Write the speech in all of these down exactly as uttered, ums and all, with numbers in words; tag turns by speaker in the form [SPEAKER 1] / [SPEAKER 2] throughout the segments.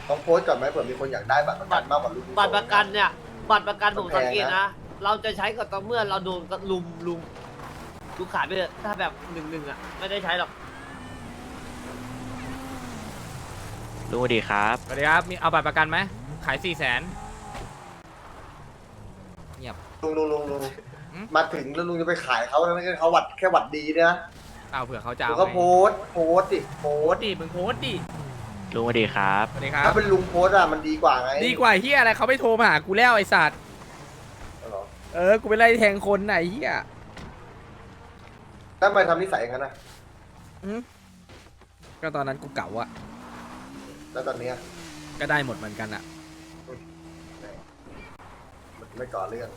[SPEAKER 1] ต้องโพสต์ก่อนไหมเผื่อมีคนอยากได้บัตรประกันมากกว่าลูก
[SPEAKER 2] บัตรประกันเนี่ยบัตรประกันผมสังเกตนะเราจะใช้กับต่อเมื่อเราโดนลุมลุมลูกขายไปเลยถ้าแบบหนึ่งหนึ่งอ่ะไม่ได้ใช้หรอก
[SPEAKER 3] ลุงสวัสดีครับ
[SPEAKER 4] สวัสดีครับมีเอาบัตรประกันไหมขายสี่แสนเงียบ
[SPEAKER 1] ลุงลุงลุงลุง
[SPEAKER 4] หืม
[SPEAKER 1] มาถึงแล้วลุงจะไปขายเขาแล้วไม่ใช่เขาหวัดแค่หวัดดีเนี่ยนะ
[SPEAKER 4] เอาเผื่อเขาจะ
[SPEAKER 1] ลุ
[SPEAKER 4] เอา
[SPEAKER 1] งก็
[SPEAKER 4] ไง
[SPEAKER 1] โพสต์โพสต์ดิโพ
[SPEAKER 4] โพ
[SPEAKER 1] ส
[SPEAKER 4] ส
[SPEAKER 1] ต์
[SPEAKER 4] ต์ดิมึงโพสต์ดิ
[SPEAKER 3] ลุงสวัสดีครับ
[SPEAKER 4] สวัสดีครับ
[SPEAKER 1] ถ้าเป็นลุงโพสต์อะมันดีกว่าไง
[SPEAKER 4] ดีกว่าเฮียอะไรเขาไม่โทรมาหากูแล้วไอ้สัตว์
[SPEAKER 1] เหรอ
[SPEAKER 4] เออกูไปไล่แทงคนไหนเฮีย
[SPEAKER 1] ถ้าไปทำนิสัยอย่างนั้นนะ
[SPEAKER 4] อืมก็ตอนนั้นกูเก่าอะ
[SPEAKER 1] แล้วตอนเนี้ย
[SPEAKER 4] ก็ได้หมดเหมือนกันอะ
[SPEAKER 1] มันไม่ก่อเรื่อง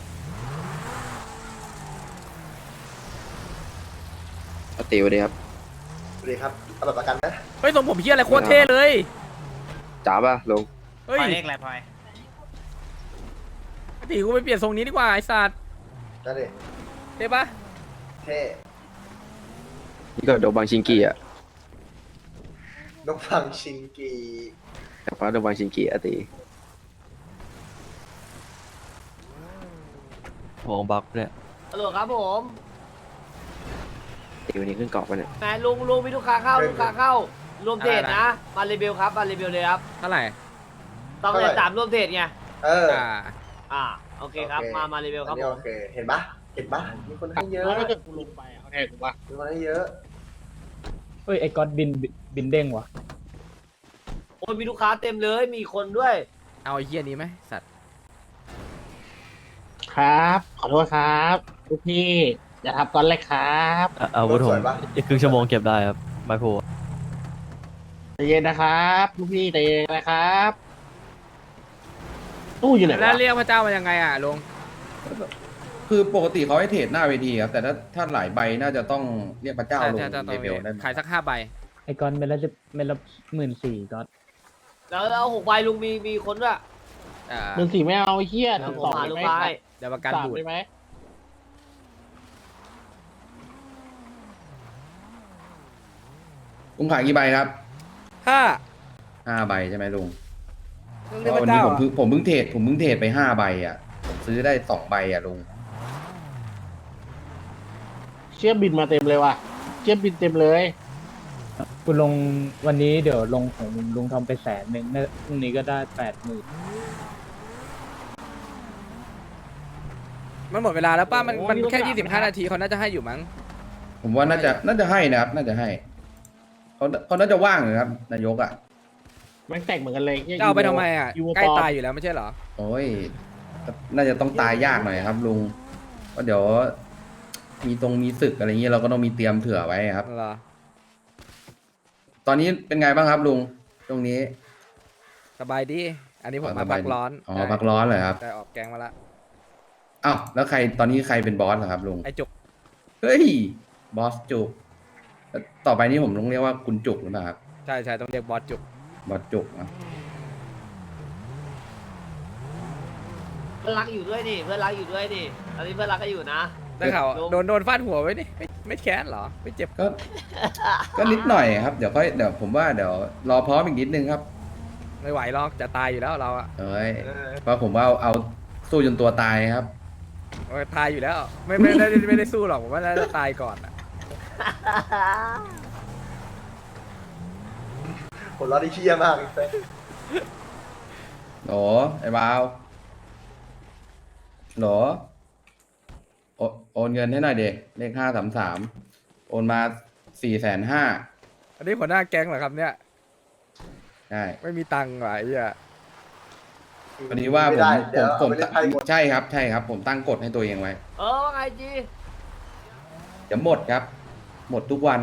[SPEAKER 5] ปกติสวัสดีครับ
[SPEAKER 1] สวัสดีครับเอาบัตรประกันนะ
[SPEAKER 4] เฮ้ยทรงผมเฮียอะไรโคตรเท่เลย
[SPEAKER 5] จ๋าป่ะลุง
[SPEAKER 4] เฮ้ย
[SPEAKER 2] พลอยเลขอะไรพลอย
[SPEAKER 4] ปกติกูไปเปลี่ยนทรงนี้ดีกว่าไอ้สัตว์
[SPEAKER 1] นั่นดิ
[SPEAKER 4] เท่ปะ
[SPEAKER 1] เท่
[SPEAKER 5] นี่ก็โดบังชิงกีอ่ะ
[SPEAKER 1] นกฟังชิงกี
[SPEAKER 5] แต่ว่าโดบังชิงกีอะตี
[SPEAKER 3] วงบล็อกเนี่ย
[SPEAKER 2] ฮัลโหลครับผม
[SPEAKER 5] ตีวันนี้ขึ้นเกาะปะเนี่ย
[SPEAKER 2] แหมลุงลุงมีลูกค้าเข้าลูกค้าเข้ารวมเทรดนะมารีวิวครับมารีวิวเลยครับ
[SPEAKER 4] เท่าไหร่
[SPEAKER 2] ต้องเลยสามรวมเทรดไง
[SPEAKER 1] เออ
[SPEAKER 4] อ่า
[SPEAKER 2] อ่าโอเคครับ
[SPEAKER 1] โอเค
[SPEAKER 2] มามารีวิวครับ
[SPEAKER 1] อันนี้
[SPEAKER 2] ผ
[SPEAKER 1] โอ
[SPEAKER 2] ม
[SPEAKER 1] เคเห็นปะเห็นปะมีคนให้เยอะ
[SPEAKER 6] แล้วถ้าเกิดกูลงไปอะเขาแทงกูปะ
[SPEAKER 1] มีคนให้เยอะ
[SPEAKER 7] เอ้ยไอ้ก๊อตบินบินเด้งวะ
[SPEAKER 2] โอ้ยมีลูกค้าเต็มเลยมีคนด้วย
[SPEAKER 4] เอาไอ้เฮียนี้ไหมสัตว์
[SPEAKER 6] ครับ ขอโทษครับลูกพี่อย่าทับก้อนเลยครับ
[SPEAKER 3] อาวุธ
[SPEAKER 1] ส
[SPEAKER 3] ผม
[SPEAKER 1] วยปะ
[SPEAKER 3] อีกครึ่งชั่วโมงเก็บได้ครับไม้โพ
[SPEAKER 6] ใจเย็นนะครับลูกพี่ใจเย็นนะครับตู้อยู่ไหน
[SPEAKER 4] แล้ว
[SPEAKER 6] วะ
[SPEAKER 4] เรียกพระเจ้ามายังไงอ่ะลุง
[SPEAKER 8] คือปกติเขาให้เทรดหน้าเวทีครับ แต่ถ้าถ้าหลายใบน่าจะต้องเรียกพระเจ้า
[SPEAKER 4] ใช่
[SPEAKER 8] ลง
[SPEAKER 4] ใช่ใช่
[SPEAKER 8] เลเวลได้ไหม
[SPEAKER 4] ขายสักห้าใบ
[SPEAKER 7] ไอ้ก๊อตเม็ดละสิบเม็ดละหมื่นสี่ก๊อต
[SPEAKER 2] แล้วแล้วหกใบลุงมีมีคนด้วย
[SPEAKER 4] อ่า
[SPEAKER 6] หนึ่งสี่ไม่เอาไอ้เฮีย
[SPEAKER 2] แล้ว
[SPEAKER 6] ถึง
[SPEAKER 2] ผม
[SPEAKER 6] สอง
[SPEAKER 2] หา
[SPEAKER 6] ได้
[SPEAKER 2] ลูก
[SPEAKER 6] ไหม
[SPEAKER 2] ค้าให้
[SPEAKER 4] เดี๋ยวประกัน
[SPEAKER 6] สาม
[SPEAKER 4] บูด
[SPEAKER 6] ได้ไหม
[SPEAKER 8] ลุงขายกี่ใบครับ
[SPEAKER 4] ห้า
[SPEAKER 8] ห้าใบใช่ไหมลุง
[SPEAKER 4] ต้อง
[SPEAKER 8] เพ
[SPEAKER 4] เรียก
[SPEAKER 8] ราะ
[SPEAKER 4] พ
[SPEAKER 8] วัน
[SPEAKER 4] ระ
[SPEAKER 8] นี้
[SPEAKER 4] เจ้า
[SPEAKER 8] ผม
[SPEAKER 4] อ่ะ
[SPEAKER 8] เพิ่งผมเพิ่งเทรดผมเพิ่งเทรดไปห้าใบอ่ะผมซื้อได้สองใบอ่ะลุง
[SPEAKER 6] เชี่ยบินมาเต็มเลยว่ะเชี่ยบินเต็มเลย
[SPEAKER 7] กูลงวันนี้เดี๋ยวลงของลุงลุงทำไปแสนหนึ่งน่าพรุ่งนี้ก็ได้แปดหมื่น
[SPEAKER 4] มันหมดเวลาแล้วป้ามันมันแค่ยี่สิบห้านาทีเขาน่าจะให้อยู่มั้ง
[SPEAKER 8] ผมว่าน่าจะน่าจะให้นะครับ น่าจะให้เขาเขาน่าจะว่างเลยครับนายกอ่ะ
[SPEAKER 6] แม่งแต่งเหมือนกันเลยหี้ย
[SPEAKER 4] จะเอาไปทำไมอ่ะ
[SPEAKER 6] ยูโว
[SPEAKER 4] ใกล้
[SPEAKER 6] ปลอม
[SPEAKER 4] ตายอยู่แล้วไม่ใช่เหรอ
[SPEAKER 8] โอ้ยน่าจะต้องตายยากหน่อยครับ ลุงเพราะเดี๋ยวมีตรงมีศึกอะไรเงี้ยเราก็ต้องมีเตรียมเผื่อไว้ครับ
[SPEAKER 4] เหรอ
[SPEAKER 8] ตอนนี้เป็นไงบ้างครับลุงตรงนี้
[SPEAKER 4] สบายดี อันนี้ผม
[SPEAKER 8] อ๋อ
[SPEAKER 4] มา
[SPEAKER 8] สบา
[SPEAKER 4] พั
[SPEAKER 8] ย
[SPEAKER 4] ก
[SPEAKER 8] ดี
[SPEAKER 4] ร้อน
[SPEAKER 8] อ๋อ
[SPEAKER 4] ใช่
[SPEAKER 8] พักร้อนเลยครับ
[SPEAKER 4] แต่ออกแกงมาละ
[SPEAKER 8] อ้าวแล้วใครตอนนี้ใครเป็นบอสเหรอครับลุง
[SPEAKER 4] ไอจุก
[SPEAKER 8] เฮ้ยบอสจุกแล้วต่อไปนี้ผมต้องเรียกว่าคุณจุกหรือเปล่าครับ
[SPEAKER 4] ใช่ใช่ต้องเรียกบอสจุก
[SPEAKER 8] บอสจุกนะ
[SPEAKER 2] เพื่อนรักอยู่ด้วยนี่เพื่อนรักอยู่ด้วยนี่ตอนนี้เพื่อนรักก็อยู่นะ
[SPEAKER 4] ได้ข่าว
[SPEAKER 2] ลุง
[SPEAKER 4] โดนโดนฟาดหัวไว้นี่ไม่ไม่แค้นเหรอ ไม่เจ็บ
[SPEAKER 8] ก็ ก็นิดหน่อยครับเดี๋ยวค่อยเดี๋ยวผมว่าเดี๋ยวรอพร้อมอีกนิดนึงครับ
[SPEAKER 4] ไม่ไหวหรอกจะตายอยู่แล้วเราอะ
[SPEAKER 8] เอ้ยเพราะผมว่าเอาเอาสู้จนตัวตายครับ
[SPEAKER 4] โอ้ยตายอยู่แล้ว ไม่ไม่ได้ไม่ได้สู้หรอกผมว่าน่าจะตายก่อนอะ
[SPEAKER 1] คนเราะได้เชี่ยมากเลย
[SPEAKER 8] โหลไอ้บาวโหลโอโอนเงินให้หน่อยเด็กเลขห้าสามสามโอนมาสี่แสนห้า
[SPEAKER 4] อันนี้หัวหน้าแก๊งเหรอครับเนี่ย
[SPEAKER 8] ใช่
[SPEAKER 4] ไม่มีตังค์ว่ะไอ้เหี้ย
[SPEAKER 8] วันนี้ว่าผ
[SPEAKER 1] ไม่
[SPEAKER 8] ม
[SPEAKER 1] ได้
[SPEAKER 8] ผ
[SPEAKER 1] เดี๋ยว
[SPEAKER 8] มผ
[SPEAKER 1] เอา
[SPEAKER 8] ม
[SPEAKER 1] ไปเล่นไพ่หมด
[SPEAKER 8] ใช่ครับใช่ครับ ผมตั้งกฎให้ตัวเองไว้
[SPEAKER 2] เออว่าไงจี
[SPEAKER 8] เดี๋ยวหมดครับ หมดทุกวัน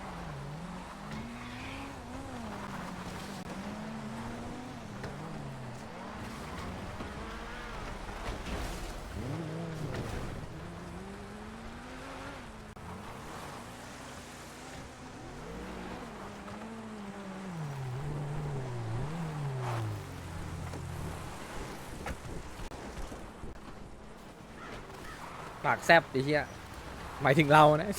[SPEAKER 4] ปากแซบไอ้เหี้ยหมายถึงเรานะ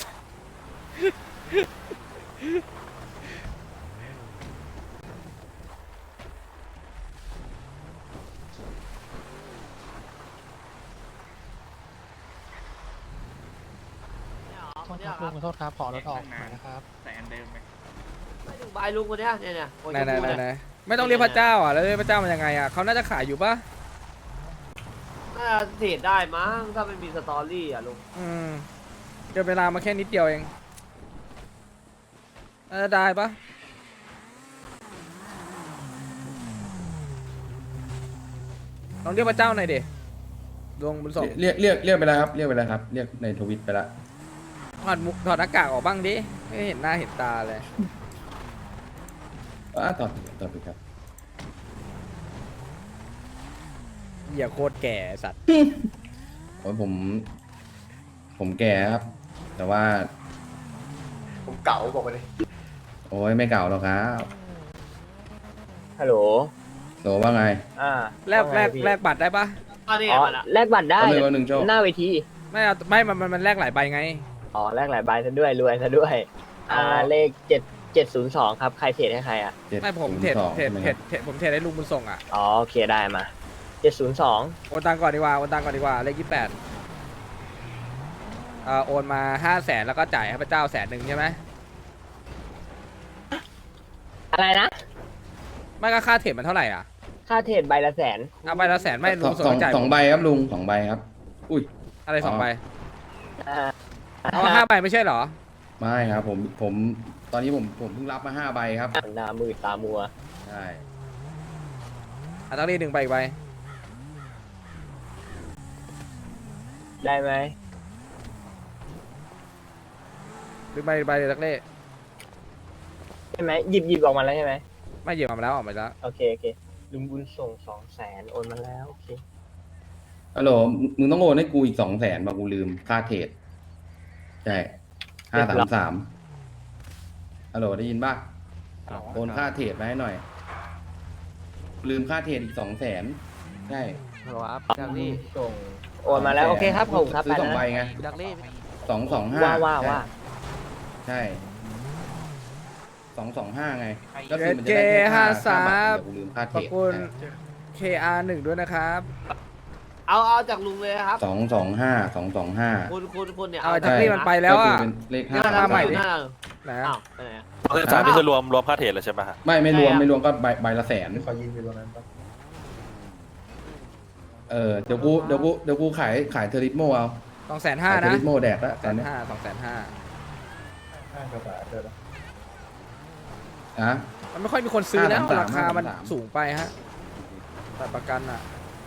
[SPEAKER 2] คนเนี้ยครับ
[SPEAKER 6] ขอโทษครับ ขอรถออกหน่อยนะครับ
[SPEAKER 2] ไม่ถึงใบลุงคนเนี้ยเนี่ยเนี่ยคน
[SPEAKER 4] ไหน
[SPEAKER 2] ชม
[SPEAKER 4] ไหน
[SPEAKER 2] พู
[SPEAKER 4] ไหน
[SPEAKER 2] เนี่ย
[SPEAKER 4] ไหนไม่ต้องเรียกพระเจ้าอ่ะแล้วเรียกพระเจ้ามันยังไงอ่ะเขาน่าจะขายอยู่ปะ
[SPEAKER 2] น่าจะเทรดได้มั้งถ้ามันมีสตอรี่อ่ะลุง
[SPEAKER 4] อืมเกินเวลามาแค่นิดเดียวเองน่าจะได้ปะลองเรียกพระเจ้าหน่อยดิดวงบุญส่ง
[SPEAKER 8] เรียกเรียกเรียกไปแล้วครับเรียกไปแล้วครับเรียกในทวิตไปแล้ว
[SPEAKER 4] ถอดหมุถอดหน้ากากออกบ้างดิไม่เห็นหน้าเห็นตาเลย
[SPEAKER 8] อ่าต่อต่อไปครับ
[SPEAKER 4] เหี้ยโคตรแก่ไอ้สัตว์
[SPEAKER 8] โอ้ยผม ผมแก่ครับ แต่ว่า
[SPEAKER 1] ผมเก่าบอกไปเลย
[SPEAKER 8] โอ้ยไม่เก่าหรอกครับ
[SPEAKER 6] ฮัลโหล
[SPEAKER 8] โหลว่าไง
[SPEAKER 6] อ่า
[SPEAKER 4] แลกแลกแลกบัตรได้ปะ
[SPEAKER 2] อันนี้
[SPEAKER 6] อ๋อ
[SPEAKER 2] มันอ่ะ
[SPEAKER 6] แลกบัตรได้
[SPEAKER 8] เอาเลยวันหนึ่งโจ้
[SPEAKER 6] หน้าเวที
[SPEAKER 4] ไม่เอาไม่มันมันมันแลกหลายใบไง
[SPEAKER 6] อ๋อ แลกหลายใบซะด้วย รวยซะด้วย อ่า เลขเจ็ดเจ็ดศูนย์สองครับ ใครเทรดให้ใครอ่ะ
[SPEAKER 8] เจ็ด
[SPEAKER 4] ไม่ผม
[SPEAKER 8] ศูน
[SPEAKER 4] เทรด
[SPEAKER 8] ย์สอง
[SPEAKER 4] เทรด
[SPEAKER 8] ใช่ไหม
[SPEAKER 4] เท
[SPEAKER 8] ค
[SPEAKER 4] ร
[SPEAKER 8] รั
[SPEAKER 4] ด
[SPEAKER 8] บ
[SPEAKER 4] เทรดผมเทรดให้ลุงบุญส่งอ่ะ
[SPEAKER 6] อ๋อ โอเค ได้มาเจ็ดศูนย์สอง
[SPEAKER 4] โอนตังก่อนดีกว่าโอนตังก่อนดีกว่าเลขยี่แปดเอ่อโอนมาห้าแสนแล้วก็จ่ายให้พระเจ้าแสนหนึ่งใช่ไหม
[SPEAKER 6] อะไรนะ
[SPEAKER 4] ไม่ก็ค่าเทรดมันเท่าไหร่อ่ะ
[SPEAKER 6] ค่าเทรดใบละแสน
[SPEAKER 4] เอาใบละแสนไม่
[SPEAKER 8] ส
[SPEAKER 4] ลุ
[SPEAKER 8] อง
[SPEAKER 4] งส่
[SPEAKER 8] สอง
[SPEAKER 4] งจ่าย
[SPEAKER 8] สองใบครับลุงสองใบครับ อุ้ย
[SPEAKER 4] อะไรสองใบ
[SPEAKER 6] อ่า
[SPEAKER 4] เอาห้าใบไม่ใช่เหรอ
[SPEAKER 8] ไม่ครับผมผมตอนนี้ผมผมเพิ่งรับมาห้าใบครับ
[SPEAKER 6] หน้ามืดตามัว
[SPEAKER 8] ใช่
[SPEAKER 4] อ่ะต้องรีดหนึ่งใบอีกใบ
[SPEAKER 6] ได้ไหม
[SPEAKER 4] หรือใบใบเลยตักเล่
[SPEAKER 6] ใช่ไหมหยิบหยิบออกมาแล้วใช่ไหม
[SPEAKER 4] ไม่เหยียบมาแล้วออกมาแล้ว
[SPEAKER 6] โอเค โอเค ลุงบุญส่งสองแสนโอนมาแล้ว โอเค
[SPEAKER 8] ฮัลโหลมึงต้องโอนให้กูอีกสองแสนบากูลืมค่าเทรดใช่ห้าสามสามฮัลโหลได้ยินป่ะโอนค่าเทรดมาให้หน่อย ลืมค่าเทรดอีกสองแสนใช่
[SPEAKER 3] ฮัลโหลครับดักลี่
[SPEAKER 6] ส่ง โอนมาแล้ว โอเคครับผมครับ
[SPEAKER 8] ซื้อสอง
[SPEAKER 6] ไป
[SPEAKER 8] ใบ
[SPEAKER 6] นะ
[SPEAKER 8] ไง
[SPEAKER 3] ดักลี่
[SPEAKER 8] สองสองห้า
[SPEAKER 6] ว่าว่าว่า
[SPEAKER 8] ใช่สองสองห้าไง
[SPEAKER 4] เจ
[SPEAKER 8] คือมัน
[SPEAKER 4] เจ
[SPEAKER 8] จะได้แค่
[SPEAKER 4] ห้า
[SPEAKER 8] ค่า
[SPEAKER 4] สาม
[SPEAKER 8] ค่าบัตรเดี๋ยวกูลืมค่าเท
[SPEAKER 4] ข
[SPEAKER 8] ร
[SPEAKER 4] อบ
[SPEAKER 8] ด
[SPEAKER 4] คุณ เค อาร์ หนึ่งด้วยนะครับ
[SPEAKER 2] เอาเอาจากลุงเลยนะครับ
[SPEAKER 8] สองสองห้าสองสองห้า
[SPEAKER 2] คุณคุณคุณเนี่ย
[SPEAKER 4] เอาจากนี่มันไปแล้วอ่ะ
[SPEAKER 8] ก็คือเป็นเลขห้า
[SPEAKER 2] นี่
[SPEAKER 4] มาใหม่ดิ
[SPEAKER 2] ดิ
[SPEAKER 4] ไหน
[SPEAKER 2] อ้า
[SPEAKER 4] อะ
[SPEAKER 2] วไปไหนอะ
[SPEAKER 9] คือสามนี่คือรวมรวมค่าเทรดเลยใช่ไหมฮะ
[SPEAKER 8] ไม่ไม่รวม
[SPEAKER 2] ใช่อะ
[SPEAKER 8] ไม่รวมก็ใบใบละแสน
[SPEAKER 1] ขอยืนอยู่ตรงนั้นปะ
[SPEAKER 8] เออเดี๋ยวกูเดี๋ยวกูเดี๋ยวกูขายขายเทอริสโมเอา
[SPEAKER 4] สองแสนห้า
[SPEAKER 8] ขายเทอ
[SPEAKER 4] นะ
[SPEAKER 8] ริสโมแดกแล้ว
[SPEAKER 4] แส
[SPEAKER 8] ตอน
[SPEAKER 4] น
[SPEAKER 8] เนี้ย
[SPEAKER 4] ห้าสองแสนห้า
[SPEAKER 1] ห้ากระบาดเดิน
[SPEAKER 8] อ่ะ
[SPEAKER 4] มันไม่ค่อยมีคนซื้อแล้ว
[SPEAKER 8] ห้าสาม
[SPEAKER 4] ราคามัน
[SPEAKER 8] ห้าสาม
[SPEAKER 4] สูงไปฮะแต่ประกันอ่ะ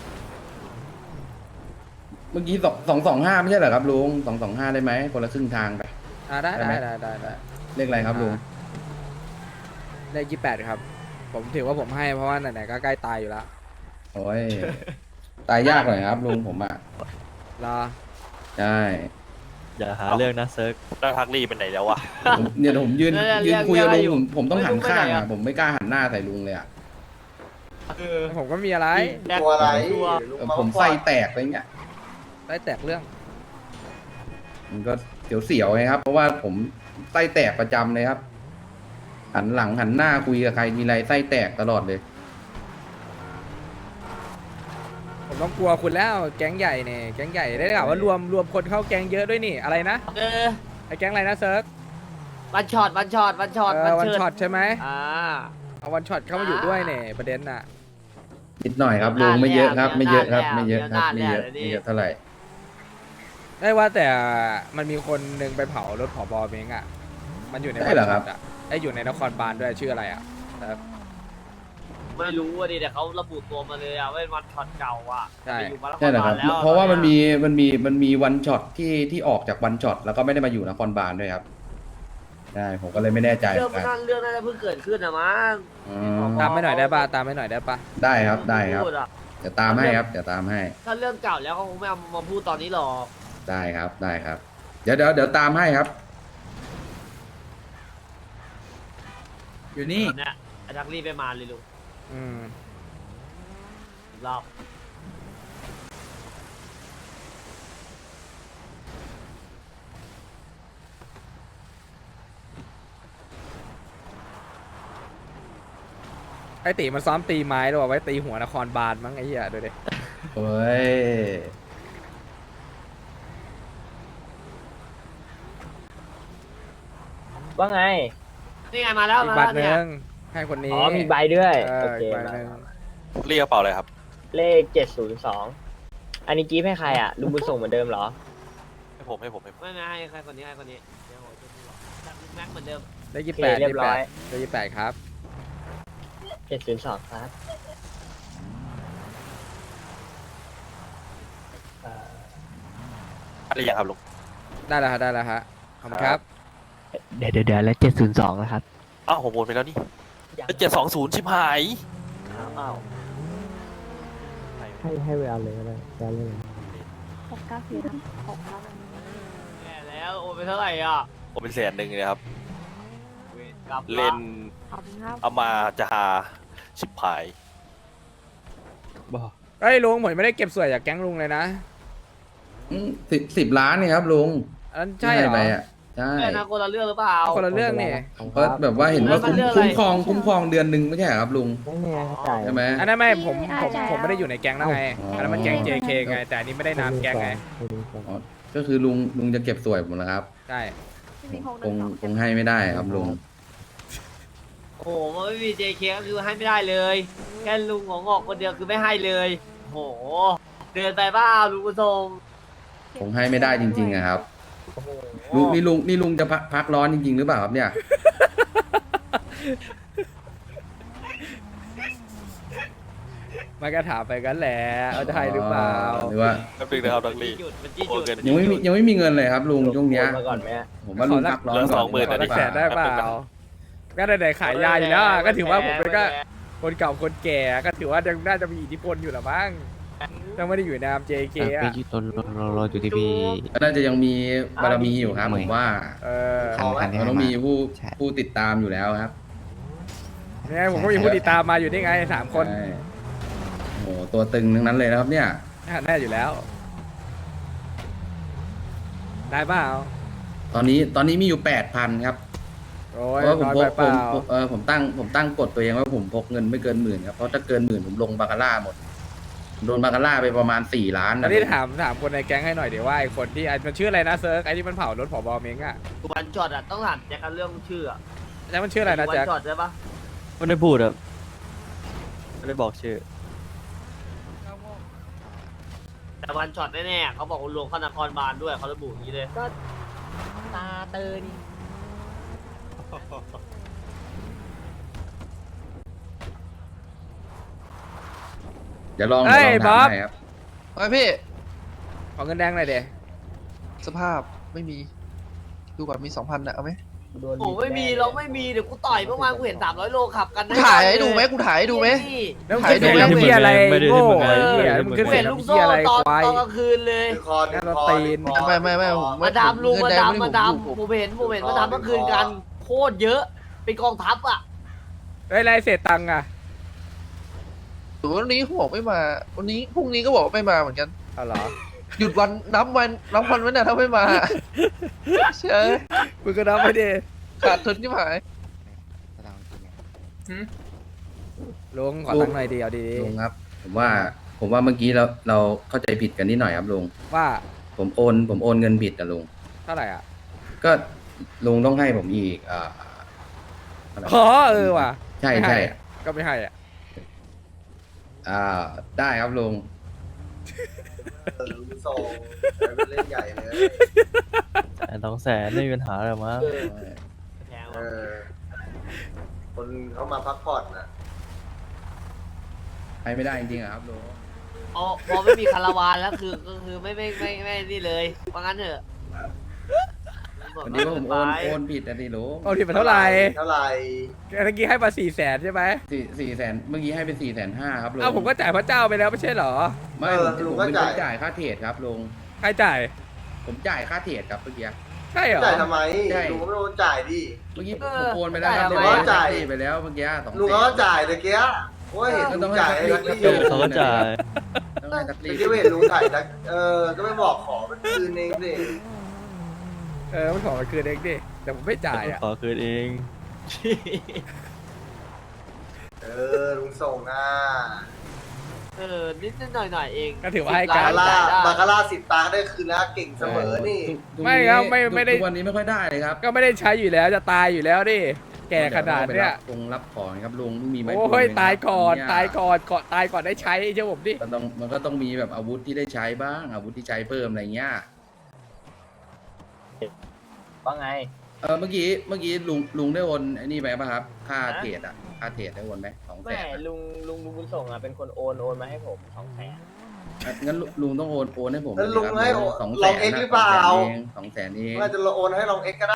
[SPEAKER 8] เมื่อกี้สองสองสองห้าไม่ใช่เหรอครับลุงสองสองห้าได้ไหมคนละครึ่งทางไป
[SPEAKER 4] อ่าได้
[SPEAKER 8] ได้ไหม
[SPEAKER 4] ได้ได้ได้ได้
[SPEAKER 8] เลขอะไรครับลุง
[SPEAKER 4] เลขยี่แปดครับ ผมถือว่าผมให้เพราะว่าไหนๆก็ใกล้ตายอยู่แล้ว
[SPEAKER 8] โอ้ยตายยากหน่อยครับลุงผมอ่ะ
[SPEAKER 4] รอ
[SPEAKER 8] ใช่
[SPEAKER 3] อย่าหาเรื่องนะเซิร์ก
[SPEAKER 9] แล้วทักลี่เป็นไหนแล้ววะ
[SPEAKER 8] ผมเนี่ยผมยืน
[SPEAKER 2] เออ
[SPEAKER 8] ยืนคุยกับ
[SPEAKER 2] เรียก
[SPEAKER 8] ลุงผมผมต้อง
[SPEAKER 2] เรียก
[SPEAKER 8] หันข้าง
[SPEAKER 2] ไม่ได้
[SPEAKER 8] อ่ะ
[SPEAKER 2] อะ
[SPEAKER 8] ผมไม่กล้าหันหน้าใส่ลุงเลยอ่ะ
[SPEAKER 4] ผมก็มีอะไร
[SPEAKER 1] ตัวอะไร
[SPEAKER 2] ตัว
[SPEAKER 1] ลุง
[SPEAKER 8] เออ
[SPEAKER 1] เา
[SPEAKER 8] ผมไส้แตกอะไรเงี้ย
[SPEAKER 4] ได้แตกเรื่อง
[SPEAKER 8] มันก็เสียวๆไงครับ เพราะว่าผมไส้แตกประจำเลยครับ หันหลังหันหน้าคุยกับใครมีอะไรไส้แตกตลอดเลย
[SPEAKER 4] ผมต้องกลัวคุณแล้วแก๊งใหญ่เนี่ยแก๊งใหญ่ได้ข่าวว่ารวมรวมคนเข้าแก๊งเยอะด้วยนี่อะไรนะ
[SPEAKER 2] เออ
[SPEAKER 4] ไอ้แก๊งอะไรนะเซิร์ฟ
[SPEAKER 2] วันช็อตวันช็อตวันช็อต
[SPEAKER 4] เออวันช็อตใช่ไหม
[SPEAKER 2] อ่า
[SPEAKER 4] เอาวันช็อตเข้ามาอยู่ด้วยเนี่ยประเด็นน่ะ
[SPEAKER 8] นิดหน่อยครับลุงไม่เยอะครับ ไม่เยอะครับ ไม่เยอะครับไม่เยอะ
[SPEAKER 2] เดี๋ยว
[SPEAKER 8] ไม่เย
[SPEAKER 2] หน้า
[SPEAKER 8] อะเท่าไหร่
[SPEAKER 4] ได้ว่าแต่มันมีคนหนึ่งไปเผารถผบเม้งอ่ะมันอยู่ในวันช็อตอ่ะไอ้อยู่ในนครบาลด้วยชื่ออะไรอ่ะเซิร์ฟ
[SPEAKER 2] ไม่รู้อ่ะดิแต่เขาระบุตัวมาเลยอ่ะว่าเป็นวันช็อตเก่าอ่ะ
[SPEAKER 4] ใช่
[SPEAKER 2] ไปอยู่มาแล้ว
[SPEAKER 8] ใช่เหรอครับ
[SPEAKER 2] แล้ว
[SPEAKER 8] เพราะว่ามัน
[SPEAKER 2] ตอ
[SPEAKER 8] มีมันมีมันมีวันช็อตที่ที่ออกจากวันช็อตแล้วก็ไม่ได้มาอยู่นครบาลด้วยครับใช่ผมก็เลยไม่แน่ใจเห
[SPEAKER 2] เรื่อ
[SPEAKER 8] มื
[SPEAKER 2] ง
[SPEAKER 8] อนกัน
[SPEAKER 2] นั่นเรื่องน่าจะเพิ่งเกิดขึ้นนะมั้ง
[SPEAKER 8] อืม
[SPEAKER 4] ตามไม่หน่อยได้ป่ะตามไม่หน่อยได้ป่ะ
[SPEAKER 8] ได้ครับได้ครับ
[SPEAKER 2] พูดอะ
[SPEAKER 8] เดี๋ยวตามให้ครับเดี๋ยวตามให้
[SPEAKER 2] ถ้าเรื่องเก่าแล้วเขาคงไม่เอามาพูดตอนนี้หรอก
[SPEAKER 8] ได้ครับได้ครับ เดี๋ยวเดี๋ยวเดี๋ยวตามให้ครับ
[SPEAKER 4] อยู่นี่
[SPEAKER 2] ตอนเนี้ยไอ้ทักลี่ไปมาเลยลุง
[SPEAKER 4] อืม
[SPEAKER 2] รอบ
[SPEAKER 4] ไอ้ตีมันซ้อมตีไม้หรือว่าไว้ตีหัวนครบาลมั้งไอ้เหี้ยดูดิ
[SPEAKER 8] โอ้ย
[SPEAKER 6] ว่าไง
[SPEAKER 2] นี่ไงมาแล้ว
[SPEAKER 4] อีก
[SPEAKER 2] มา
[SPEAKER 4] บัต
[SPEAKER 2] แล้ว
[SPEAKER 4] รห
[SPEAKER 2] เนี่ย
[SPEAKER 4] นึ่งให้คนนี้
[SPEAKER 6] อ๋อ มีใบด้วย
[SPEAKER 4] เอ
[SPEAKER 6] โอ
[SPEAKER 4] อ
[SPEAKER 6] เค
[SPEAKER 4] อีกใบ
[SPEAKER 6] มา
[SPEAKER 4] หนึ่ง
[SPEAKER 9] เรียกกระเป๋าเลยครับ
[SPEAKER 6] เลขเจ็ดศูนย์สองอันนี้กีฟให้ใครอ่ะ ลุงบุญส่งเหมือนเดิมเหรอ
[SPEAKER 9] ให้ผมให้ผมให้ผม
[SPEAKER 2] ไม่ไม่ให้ใครคนนี้ให้คนนี้เดี๋ยวผมจะดูหรอกจับแม็กเหมือนเดิม
[SPEAKER 4] ได้ยี่
[SPEAKER 6] โอ
[SPEAKER 4] สิบ
[SPEAKER 6] เค
[SPEAKER 4] แปด
[SPEAKER 6] เรียบร้อย
[SPEAKER 4] ได้ยี่สิบแปดครับ
[SPEAKER 6] เจ็ดศูนย์สองครับเอ่อ
[SPEAKER 9] อะไรอย่างครับลุง
[SPEAKER 4] ได้แล้วฮะได้แล้วฮะขอบคุณครับ
[SPEAKER 6] เดี๋ยวเดี๋ยวเดี๋ยวแล้วเจ็ดศูนย์สองนะครับ
[SPEAKER 9] อ้าวผมโอนไปแล้วนี่เจ็ดสองศูนย์ชิบหาย
[SPEAKER 6] อ้าวให้ให้เวลาเลยก็ได้เวลาเลย
[SPEAKER 10] หกเก้าสี่หกเก้า
[SPEAKER 2] แย่แล้วโอนไปเท่าไหร่อ่ะ
[SPEAKER 9] ผมเป็นแสนหนึ่งเลยครับ
[SPEAKER 2] เวรกรรม
[SPEAKER 9] เล่น
[SPEAKER 10] ขอบคุณครับ
[SPEAKER 9] เอามาจะหาชิบหาย
[SPEAKER 4] เฮ้ยลุงผมยังไม่ได้เก็บสวยจากแก๊งลุงเลยนะ
[SPEAKER 8] สิบสิบล้านเนี่ยครับลุง
[SPEAKER 4] อันนั้นใช่เหรอ
[SPEAKER 8] ไปอ่ะใช่
[SPEAKER 2] แม่นะคนละเรื่องหรือเปล่า
[SPEAKER 4] คนละเรื่องนี่
[SPEAKER 8] ก็แบบว่าเห็นว่าคุ้ม
[SPEAKER 2] มันเรื่องอะไร
[SPEAKER 8] คุ้มครองคุ้มครองเดือนหนึ่งไม่ใช่เหรอครับลุง
[SPEAKER 6] ไม่แน่เข้าใจ
[SPEAKER 8] ใช่ไหม
[SPEAKER 4] อันนั้นไม่ผมผม
[SPEAKER 10] ใช่
[SPEAKER 4] ผมไม่ได้อยู่ในแก๊งแล้วไง
[SPEAKER 8] อ๋ออั
[SPEAKER 4] อันนั้นมันแก๊ง เจ เค ไง แต่อันนี้ไม่ได้นามแก๊งไง
[SPEAKER 8] อ๋อก็คือลุงลุงจะเก็บสวยผมนะครับ
[SPEAKER 4] ใช่
[SPEAKER 10] มีหกห
[SPEAKER 8] ค
[SPEAKER 10] นึ่
[SPEAKER 8] ง
[SPEAKER 10] งสอง
[SPEAKER 8] คงให้ไม่ได้ครับลุง
[SPEAKER 2] โอ้โหมันไม่มี เจ เค ก็คือให้ไม่ได้เลย แค่ลุงของงอกคนเดียวคือไม่ให้เลยโอ้โหเดินไปเปล่าลุงกุศล
[SPEAKER 8] คงให้ไม่ได้จริงๆอะครับ
[SPEAKER 2] โอ้โห
[SPEAKER 8] ลุงนี่ลุงนี่ลุงจะพักพักร้อนจริงๆหรือเปล่าครับเนี่ย
[SPEAKER 4] มันก็ถามไปกันแหละเอาจะให้หรือเปล่า
[SPEAKER 8] หรือว่า
[SPEAKER 9] แป๊บนึงนะครับดัง
[SPEAKER 2] จี้
[SPEAKER 9] ลี่
[SPEAKER 2] จุดมันจี้
[SPEAKER 9] โอ
[SPEAKER 2] จุด
[SPEAKER 9] เค
[SPEAKER 8] ยังไม่มียังไม่มีเงินเลยครับลุงช่วงเนี้ย
[SPEAKER 6] โอนมาก่อนไหมฮะ
[SPEAKER 8] ผมว่าลุงพักร้อน
[SPEAKER 9] เหลือ
[SPEAKER 8] ก่
[SPEAKER 9] สองหมื่น
[SPEAKER 8] ดีกว่า
[SPEAKER 4] อีกแสนได้เปล่า ก็ได้ๆขายยาอยู่แล้วอะก็ถือว่าผมเป็นก็คนเก่าคนแก่ก็ถือว่ายังน่าจะมีอิทธิพลอยู่แหละมั้งยังไม่ได้อยู่ในนาม เจ เค อ่ะ
[SPEAKER 8] ก็น่าจะยังมีบารมีอยู่ครับผมว่า
[SPEAKER 4] เออ
[SPEAKER 8] มันต้องมีผู้ผู้ติดตามอยู่แล้วครับ
[SPEAKER 4] นี่ไงผมก็มีผู้ติดตามมาอยู่นี่ไงสามคน
[SPEAKER 8] ใช่โอ้โหตัวตึงทั้งนั้นเลยนะครับเนี่ย
[SPEAKER 4] แน่อยู่แล้ว ได้เปล่า
[SPEAKER 8] ตอนนี้ตอนนี้มีอยู่แปดพันครับ
[SPEAKER 4] โอ้
[SPEAKER 8] เพ
[SPEAKER 4] ย
[SPEAKER 8] ราะว่าผม
[SPEAKER 4] น้อย
[SPEAKER 8] พ
[SPEAKER 4] ไป
[SPEAKER 8] ก
[SPEAKER 4] เป
[SPEAKER 8] ผม
[SPEAKER 4] ล่า
[SPEAKER 8] ผมเออผมตั้งผมตั้งกฎตัวเองว่าผมพกเงินไม่เกินหมื่นครับเพราะถ้าเกินหมื่นผมลงบาคาร่าหมดผมโดนบาคาร่าไปประมาณสี่ล้าน
[SPEAKER 4] แล้วนี่ถามถามคนในแก๊งให้หน่อยเดี๋ยวว่าไอ้คนที่ไอ้มันชื่ออะไรนะเซิร์กไอ้ที่มันเผารถผบเม้งอ่ะ
[SPEAKER 2] วันช็อตอ่ะต้องถามแจ็คกันเรื่องชื่ออะ
[SPEAKER 4] แจ็คมันชื่ออะไรนะ
[SPEAKER 2] วัน
[SPEAKER 4] แจ็ค
[SPEAKER 2] ช็อตใช่ปะ
[SPEAKER 3] ไม่ได้พูดครับไม่ได้บอกชื่อ
[SPEAKER 2] แต่วันช็อตแน่ๆเขาบอกว่ารวมเข้านครบาลด้วยเขาระบุอย่างนี้เลย
[SPEAKER 6] ก็ตาเตอนี่
[SPEAKER 8] เดี๋ยวลอง
[SPEAKER 4] เฮ้
[SPEAKER 8] เดี๋ย
[SPEAKER 4] ยว
[SPEAKER 8] ลอง
[SPEAKER 4] บ๊อบ
[SPEAKER 8] ถามให้ครับ
[SPEAKER 11] ไอ้พี่
[SPEAKER 4] ขอเงินแดงหน่อยเดี๋ย
[SPEAKER 11] สภาพไม่มี ดูก่อนมีสองพันนะเอาไหม
[SPEAKER 6] โดน
[SPEAKER 2] โอ้ไม่มีเราไม่มีเดี๋ยวกูต่อยเมื่อวานกูเห็นสามร้อยโลขับกัน
[SPEAKER 11] กูถ่ายให้ดูไหมกูถ่ายให้ดูไหม
[SPEAKER 2] นี่
[SPEAKER 4] แล้วมึง
[SPEAKER 11] ถ่าย
[SPEAKER 4] ขึ้น
[SPEAKER 11] ดู
[SPEAKER 4] เสียง
[SPEAKER 11] ไม่
[SPEAKER 4] น้ำเหี้ยอะไร
[SPEAKER 3] ไม่ได้
[SPEAKER 4] โง่
[SPEAKER 3] ไม่ได้
[SPEAKER 4] ไอ้เหี้ย
[SPEAKER 3] ไม่ได้
[SPEAKER 4] มึงขึ้น
[SPEAKER 2] กู
[SPEAKER 4] เสีย
[SPEAKER 2] เห็
[SPEAKER 4] ง
[SPEAKER 2] นลูก
[SPEAKER 4] น้ำ
[SPEAKER 2] โซ่
[SPEAKER 4] เหี้ยอะไร
[SPEAKER 2] ตอน
[SPEAKER 4] ควาย
[SPEAKER 2] ตอนกลางคืนเลย
[SPEAKER 1] ดึงคอดึง
[SPEAKER 4] นั่นเรา
[SPEAKER 1] คอ
[SPEAKER 4] ตีน
[SPEAKER 1] ดึงคอ
[SPEAKER 11] ไม่ไม่ไม่ผม
[SPEAKER 2] มาดามลุง
[SPEAKER 11] เงิ
[SPEAKER 2] มาน
[SPEAKER 11] แดง
[SPEAKER 2] ดาม
[SPEAKER 11] ไได้
[SPEAKER 2] มาดาม
[SPEAKER 11] ผม
[SPEAKER 2] ผมเห็นผมเห็นมาดามเมื่อคืนกันโคตรเยอะ เป็นกองทัพอ่ะ
[SPEAKER 4] เฮ้ยไรเศษตังค์อ่ะ
[SPEAKER 11] ผมวันนี้เขาบอกไม่มา วันนี้พรุ่งนี้ก็บอกไม่มาเหมือนกัน
[SPEAKER 4] เอาเหรอ
[SPEAKER 11] หยุดวันนับวันนับวันไว้นะถ้าไม่มาเชื่อ
[SPEAKER 4] มึงก็นับไปดิ
[SPEAKER 11] ขาดทุนที่หาย
[SPEAKER 4] ลุงขอตังค์หน่อยดีเอาดี
[SPEAKER 8] ลุงครับ ผมว่าผมว่าเมื่อกี้เราเราเข้าใจผิดกันนิดหน่อยครับลุง
[SPEAKER 4] ๆว่า
[SPEAKER 8] ผมโอนผมโอนเงินผิดอะลุง
[SPEAKER 4] เท่าไหร่อ่ะ
[SPEAKER 8] ก็ลุงต้องให้ผมอีกอ่าเท่าไหร่
[SPEAKER 4] อ๋อเออว่ะ
[SPEAKER 8] ใช่
[SPEAKER 4] ไม่
[SPEAKER 8] ใช่
[SPEAKER 4] ห้อะก็ไม่ให้อ่ะ
[SPEAKER 8] อ่าได้ครับลุง
[SPEAKER 1] เออลุงส่งไปเล่นใหญ่เลย
[SPEAKER 3] แต่สองแสนไม่มีปัญหาหรอกมั้ง
[SPEAKER 2] แพง
[SPEAKER 1] เอ
[SPEAKER 2] ว่ะ
[SPEAKER 1] อ คนเขามาพักผ่อนนะ
[SPEAKER 8] ให้ไม่ได้จริงๆอะครับลุง
[SPEAKER 2] อ๋อพอไม่มีคาราวานแล้วคือก็คือไม่ไม่ไม่ไม่นี่เลยว่างั้นเถอะ
[SPEAKER 8] วันนี้ว่าผมโอนโอนผิดอะดิลุง
[SPEAKER 4] โอนผิดไปเท่าไหร่
[SPEAKER 1] เท่าไหร่
[SPEAKER 4] เมื่อกี้ให้มาสี่แสนใช่ไหม
[SPEAKER 8] สี่สี่แสนเมื่อกี้ให้เป็นสี่แสนห้าครับลุง
[SPEAKER 4] อ้าวผมก็จ่ายพระเจ้าไปแล้วไม่ใช่เหรอ
[SPEAKER 8] ไม่ผมผมเป็นคนจ่ายค่าเทรดครับลุง
[SPEAKER 4] ใครจ่าย
[SPEAKER 8] ผมจ่ายค่าเทรดครับเมื่อกี้
[SPEAKER 4] ใช่เหรอ
[SPEAKER 1] จ่ายทำไม
[SPEAKER 8] ใช่
[SPEAKER 1] ลุงก็ไม่โดนจ่ายดิ
[SPEAKER 8] เมื่อกี้ผมโอนไปแล้วครับ
[SPEAKER 1] จ่าย
[SPEAKER 8] เรียบร้อย
[SPEAKER 1] จ่าย
[SPEAKER 8] จ่ายไปแล้วเมื่อกี้สอง
[SPEAKER 1] ลุง
[SPEAKER 8] แส
[SPEAKER 1] เขาก็
[SPEAKER 8] น
[SPEAKER 1] จ่ายตะเกียโอ้ยเห็น
[SPEAKER 8] ก็
[SPEAKER 1] ลุ
[SPEAKER 8] ต้อง
[SPEAKER 1] ง
[SPEAKER 8] ให้
[SPEAKER 1] จ่าย
[SPEAKER 8] ทัก
[SPEAKER 1] ให้
[SPEAKER 8] ลี่
[SPEAKER 1] ทักลี่อยู่
[SPEAKER 3] เขาก็จ่าย
[SPEAKER 8] ต้องให้ทัก
[SPEAKER 1] ตะ
[SPEAKER 8] ลี่
[SPEAKER 1] กี้เห็นลุงถ่ายทักเออ ก็ไม่บอกขอเป็นคืนเองสิ
[SPEAKER 4] เออมันขอมาคืนเองดิแต่ผมไม่จ่ายอ่ะ
[SPEAKER 3] ขอคืนเอง
[SPEAKER 1] เออ ลุงส่งอ่ะ
[SPEAKER 2] เออนิดนิดหน่อยหน่อยๆเอง
[SPEAKER 4] ก็ถือว่าให้
[SPEAKER 1] บา
[SPEAKER 4] การ
[SPEAKER 1] คาร่า
[SPEAKER 2] จ่ายได้
[SPEAKER 1] บาคาร่าสิบตาได้คืนนะเก่งเสมอนี่
[SPEAKER 8] ทุกทุก
[SPEAKER 4] ไม่ครับไม่
[SPEAKER 8] ทุก
[SPEAKER 4] ไม่ได้
[SPEAKER 8] ทุกวันนี้ไม่ค่อยได้เลยครับ
[SPEAKER 4] ก็ไม่ได้ใช้อยู่แล้วจะตายอยู่แล้วดิแก่ขนาดเนี้ย
[SPEAKER 8] คงรับของครับลุงไม่มีไม้
[SPEAKER 4] โอ้
[SPEAKER 8] พ
[SPEAKER 4] ย
[SPEAKER 8] ไหมครับ
[SPEAKER 4] ตายก่อน
[SPEAKER 8] เย
[SPEAKER 4] ตายก่อนก่อนตายก่อนได้ใช้เชื่อผมดิ
[SPEAKER 8] มันต้องมันก็ต้องมีแบบอาวุธที่ได้ใช้บ้างอาวุธที่ใช้เพิ่มอะไรเงี้ย
[SPEAKER 6] ว่าไง
[SPEAKER 8] เออเมื่อกี้เมื่อกี้ลุงลุงได้โอนไอ้นี่ไปป่ะครับค่า
[SPEAKER 6] ฮะ
[SPEAKER 8] เทรดอ่ะค่าเทรดได้โอนไหมสองแส
[SPEAKER 6] ไม่
[SPEAKER 8] น
[SPEAKER 6] ลุงลุงลุงบุญส่งอ่ะเป็นคนโอนโอนมาให้ผมสองแสน
[SPEAKER 8] งั้นลุลุงต้องโอนโอนให้ผม
[SPEAKER 1] แล้ว
[SPEAKER 8] เย
[SPEAKER 1] ลุง
[SPEAKER 8] ครับ
[SPEAKER 1] ให้
[SPEAKER 8] สอง
[SPEAKER 1] ล
[SPEAKER 8] แส
[SPEAKER 1] อง
[SPEAKER 8] น
[SPEAKER 1] เอ็กซ์
[SPEAKER 8] นะ
[SPEAKER 1] หรือเปล่า
[SPEAKER 8] สองแสนเอง
[SPEAKER 1] ว่าจะโอนให้ลองเอ็กซ์ก็ได้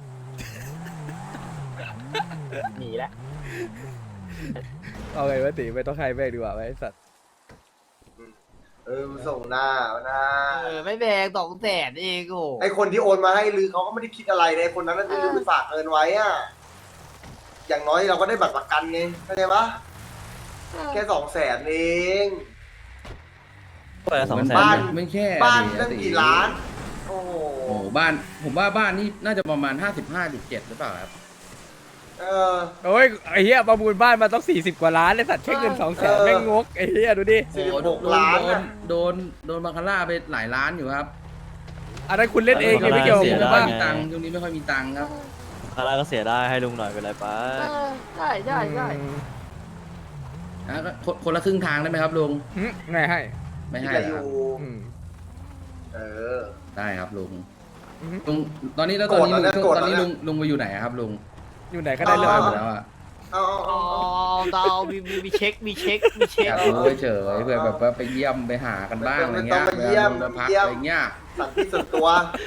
[SPEAKER 6] หนีแล้ว
[SPEAKER 4] เอาไงวะตีไม่ต้องใครแม่งดีกว่าไอ้สัตว์
[SPEAKER 1] เออส่งหน้าเอาหน้า
[SPEAKER 2] เออไม่แพงสองแสนเองโอ้
[SPEAKER 1] ไอคนที่โอนมาให้ลือเขาก็ไม่ได้คิดอะไรเลยคนนั้นน่ะลือไปฝากเงินไว้อะอย่างน้อยเราก็ได้บัตรประกันไงเข้าใจปะแค่สองแสนเอง
[SPEAKER 3] ไปละสองแสน
[SPEAKER 1] บ้าน
[SPEAKER 8] ไม่แค่
[SPEAKER 1] บ้าน
[SPEAKER 8] ดิ
[SPEAKER 1] ตั้งกี่ล้าน โอ้โห
[SPEAKER 8] โอ้โหบ้านผมว่าบ้านนี่น่าจะประมาณห้าสิบห้าจุดเจ็ดหรือเปล่าครับ
[SPEAKER 1] เออ
[SPEAKER 4] โอ้ยไอ้เหี้ยประมูลบ้านมาต้องสี่สิบกว่าล้านเลยสัตว์แค่เงินสองแสน
[SPEAKER 1] เออ
[SPEAKER 4] แม่งงกไอ้เหี้ยดูดิ
[SPEAKER 1] สี่
[SPEAKER 8] โอ้
[SPEAKER 1] สิบ
[SPEAKER 8] โห
[SPEAKER 1] ห
[SPEAKER 8] โด
[SPEAKER 1] ก
[SPEAKER 8] น
[SPEAKER 1] ล้าน
[SPEAKER 8] โดน
[SPEAKER 1] อะ
[SPEAKER 8] โดนโดนบาคาร่าไปหลายล้านอยู่ครับ
[SPEAKER 4] อันนั้นคุณเล่นเองไงไม่เกี่ยวกับ
[SPEAKER 8] เสี
[SPEAKER 4] ผ
[SPEAKER 8] ย
[SPEAKER 4] ม
[SPEAKER 8] ดาย
[SPEAKER 4] ว่า
[SPEAKER 8] มีตังค์ช่วงนี้ไม่ค่อยมีตังค์ครับ
[SPEAKER 3] คาร่าก็เสียได้ให้ลุงหน่อยเป็นไรไป
[SPEAKER 2] เออใช่ใช่ใช่
[SPEAKER 8] อ่ะก็คนคนละครึ่งทางได้ไหมครับลุง
[SPEAKER 4] หึไงให้
[SPEAKER 8] ไม่
[SPEAKER 1] คิด
[SPEAKER 8] ให้
[SPEAKER 1] อะไร
[SPEAKER 8] เหร
[SPEAKER 1] อ
[SPEAKER 8] อครับ
[SPEAKER 1] ยู่
[SPEAKER 4] อืม
[SPEAKER 1] เออ
[SPEAKER 8] ได้ครับลุง
[SPEAKER 4] อือฮึ
[SPEAKER 8] ลุงตอนนี้แล้วตอนนี้
[SPEAKER 1] โกรธแล้วนะ
[SPEAKER 8] ลุง
[SPEAKER 1] โกรธ
[SPEAKER 8] ตอนนี้
[SPEAKER 1] แล้ว
[SPEAKER 8] ลุ
[SPEAKER 1] นะ
[SPEAKER 8] งลุงไปอยู่ไหนอะครับลุง
[SPEAKER 4] อยู่ไหนก็ได้เรื่อง
[SPEAKER 8] ไป
[SPEAKER 4] ห
[SPEAKER 8] ห
[SPEAKER 4] ม
[SPEAKER 8] ม
[SPEAKER 4] ด
[SPEAKER 8] ด
[SPEAKER 4] แล้ว
[SPEAKER 8] แล้วอะ
[SPEAKER 1] เอา
[SPEAKER 2] อ๋
[SPEAKER 1] เอา
[SPEAKER 2] อ
[SPEAKER 1] เอา
[SPEAKER 2] เรามีมีมีเช็คมีเช็คมีเช็ค
[SPEAKER 8] อยากรู้เฉยๆเพื่อแบบว่าไปเยี่ยมไปหากันบ้างอะไรเงี้ย
[SPEAKER 1] ไม่ต้องไปเยี่ยม
[SPEAKER 8] วลาพัก
[SPEAKER 1] เยี่ยม
[SPEAKER 8] อะไรเงี้ย
[SPEAKER 1] สั่งที่ส่วนตัว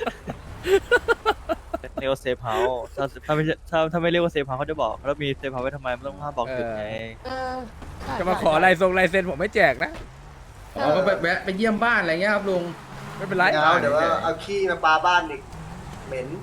[SPEAKER 3] เรียกว่าเซฟเฮาส์ถ้าถ้าไม่ใช่ถ้าถ้าไม่เรียกว่าเซฟเฮาส์เขาจะบอกแล้วมีเซฟเฮาส์ไว้ทำไมไม่ต้องห้ามบอกจุดไง
[SPEAKER 2] เออใช่
[SPEAKER 4] จะมาขอลายทรงลายเซ็นผมไม่แจกนะ
[SPEAKER 8] อ๋อก็ไปแวะไปเยี่ยมบ้านอะไรเงี้ยครับลุง
[SPEAKER 4] ไม่เป็นไร
[SPEAKER 1] เดี๋ยวเดี๋ยวว่าเอาขี้มาปาบ้านอีกเหม็น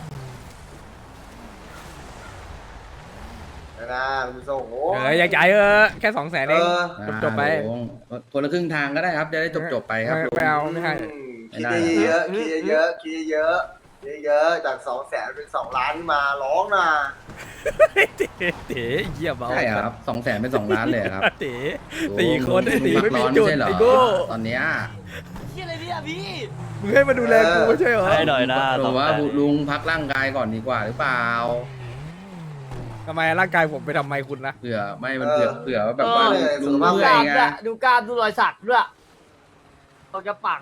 [SPEAKER 1] นะคุณส่งโอ้
[SPEAKER 4] เอออยากจ่ายเออแค่สองแสน
[SPEAKER 1] เอ
[SPEAKER 4] เอง
[SPEAKER 1] อ
[SPEAKER 4] จบๆไป
[SPEAKER 8] อ่าลุงคนละครึ่งทางก็ได้ครับจะได้จบจบๆไปครับ
[SPEAKER 4] ไม่
[SPEAKER 8] ลุง
[SPEAKER 4] ไม่เอาไม่ให้
[SPEAKER 1] อืมคิดเยอะๆคิดเยอะๆคิดเยอะๆเยอะๆจากสองแสนเป็นสองล้านมาร้องนะ
[SPEAKER 4] เต๋เต๋เยี่ยมเอา
[SPEAKER 8] ใช่ครับสองแสนเป็นสองล้านเลยครับ
[SPEAKER 4] เต๋สี่คนไอ้
[SPEAKER 8] ลุ
[SPEAKER 4] ตี
[SPEAKER 8] ง
[SPEAKER 4] ไม่
[SPEAKER 8] พัก
[SPEAKER 4] มี
[SPEAKER 8] ร้อน
[SPEAKER 4] จุด
[SPEAKER 8] ไม่ใช่เหรอ
[SPEAKER 4] ไอ้โก้
[SPEAKER 8] ตอนเนี้ย
[SPEAKER 2] ที่อะไรเนี่ยพี่
[SPEAKER 4] มึงให้มาดูแลกูไม่ใช่เหรอ
[SPEAKER 3] ให้หน่อยนะ
[SPEAKER 8] ผ
[SPEAKER 3] สอง
[SPEAKER 8] มว่า
[SPEAKER 3] แสน
[SPEAKER 8] ลุงพักร่างกายก่อนดีกว่าหรือเปล่า
[SPEAKER 4] ทำไมร่างกายผมไปทำไมคุณนะ
[SPEAKER 8] เผื่อไม่มันเผื่อเผื่อว่าแบบว่า
[SPEAKER 1] เออ
[SPEAKER 8] ลุง
[SPEAKER 1] สุขภาพ
[SPEAKER 8] เมื่
[SPEAKER 2] ก
[SPEAKER 8] อย
[SPEAKER 2] ล้าม
[SPEAKER 8] ไง
[SPEAKER 2] ด้วยดูกล้ามดูรอยสักด้วยเราจะปัง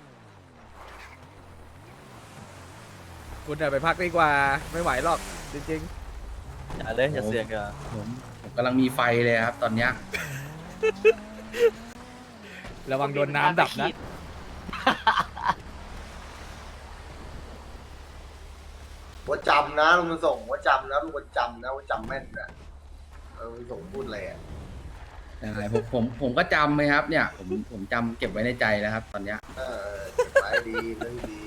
[SPEAKER 4] คุณอะไปพักดีกว่าไม่ไหวหรอกจริง
[SPEAKER 3] อย่าเลยอย่าเสี่ยงกัน
[SPEAKER 8] ผมผมกำลังมีไฟเลยครับ ตอนเนี้ย
[SPEAKER 4] ๆระวังโดนน้ำดับนะ
[SPEAKER 1] ว่าจำนะลุงส่งว่าจำนะลุงว่าจำนะว่าจำแม่นนะเออลุงส่งพูดอะไรอ่ะ
[SPEAKER 8] ใช่ผมผมผมก็จำไหมครับ เนี่ย ผมผมจำเก็บไว้ในใจแล้วครับ ตอนเนี้ย
[SPEAKER 1] เออไปดีเรื่องดี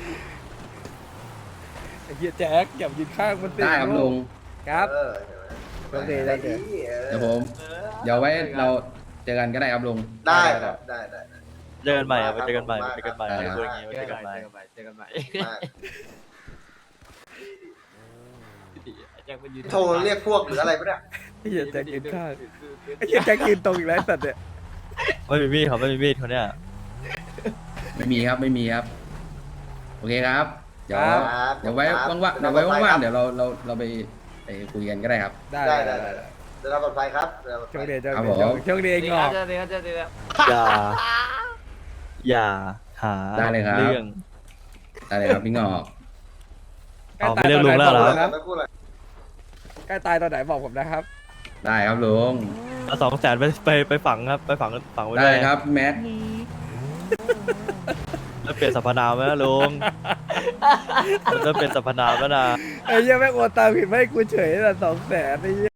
[SPEAKER 4] ไอ้เหี้ยแจ๊คอย่ายืนข้างมันสิ
[SPEAKER 8] ได้ครับลุง
[SPEAKER 4] ครับ
[SPEAKER 1] เออเห็นไหม
[SPEAKER 4] โอเค
[SPEAKER 1] ไป
[SPEAKER 4] ได้
[SPEAKER 1] ดี
[SPEAKER 8] เดี๋ยวผม เดี๋ยวไว้เราเจอกันก็ได้ครับลุง
[SPEAKER 1] ได้ครับได้ได้ได้
[SPEAKER 3] เจอกันใหม่อะไปเจอกันใหม่ไปเจอกันใหม่
[SPEAKER 8] ได้
[SPEAKER 3] ไป
[SPEAKER 8] ครับ
[SPEAKER 3] พูดอย่างงี้ไป
[SPEAKER 2] เจ
[SPEAKER 3] เจ
[SPEAKER 2] อ
[SPEAKER 3] อ
[SPEAKER 2] กั
[SPEAKER 3] กัน น
[SPEAKER 2] ให
[SPEAKER 3] ให
[SPEAKER 2] ม่
[SPEAKER 3] ม่
[SPEAKER 2] เจอกันใหม่
[SPEAKER 1] ได้
[SPEAKER 2] แจ็คเป็นยืน
[SPEAKER 1] โทรเรียกพวกหรืออะไรปะเนี่ย
[SPEAKER 4] ไอ้เหี้ยแจ๊คยืนข้างไอ้เหี้ยแจ๊คยืนตรงอีกแล้วไอ้สัตว์เนี่ย
[SPEAKER 3] ไม่มีมีดเขาไม่มีมีดเขาเนี่ย
[SPEAKER 8] ไม่มีครับไม่มีครับ โอเคครับ เดี๋ยว
[SPEAKER 1] ครับ
[SPEAKER 8] เดี๋ยวไว้
[SPEAKER 1] ครับ
[SPEAKER 8] ว่างๆเดี๋ยวไว้ว่างๆเดี๋ยวเราเราเราไปไปคุยกันก็ได้ครับ
[SPEAKER 4] ได้
[SPEAKER 1] ได้
[SPEAKER 4] ได้
[SPEAKER 1] ได้
[SPEAKER 4] ได้
[SPEAKER 1] ได้เดี๋ยวเราปลอดภัยครับเดี๋ยวเราปลอด
[SPEAKER 4] โช
[SPEAKER 1] ภั
[SPEAKER 4] ค
[SPEAKER 1] ย
[SPEAKER 4] ดีโชค
[SPEAKER 8] ครับ
[SPEAKER 4] ดี
[SPEAKER 8] ผม
[SPEAKER 4] โชคดี
[SPEAKER 2] เจ
[SPEAKER 4] ง
[SPEAKER 2] อ
[SPEAKER 4] อ
[SPEAKER 2] กัน
[SPEAKER 4] ก
[SPEAKER 2] เจอกันเจอกัน
[SPEAKER 3] อย่า อย่าหา
[SPEAKER 8] ได้เลยครับ
[SPEAKER 3] เรื่อง
[SPEAKER 8] ได้เลยครับพี่งอก
[SPEAKER 3] เอาไปเรื่องลุงแล้วเหรอ
[SPEAKER 4] นะ
[SPEAKER 1] ไม่พูดอะไร
[SPEAKER 4] ใกล้ตายตอนไหนบอกผมนะครับ
[SPEAKER 8] ได้ครับลุง
[SPEAKER 3] เอาสองแสนไปไปไปฝังครับ ไปฝังฝังไว้
[SPEAKER 8] ได้
[SPEAKER 3] ด้วย
[SPEAKER 8] ครับแมท
[SPEAKER 3] แล้วเปลี่ยนสรรพนามไหมนะลุงมันจะเปลี่ยนสรรพนามแล้วนะ
[SPEAKER 4] ไอ้เหี้ยแม่งโอนตามผิดไม่ให้กูเฉยแต่สองแสนไอ้เหี้ย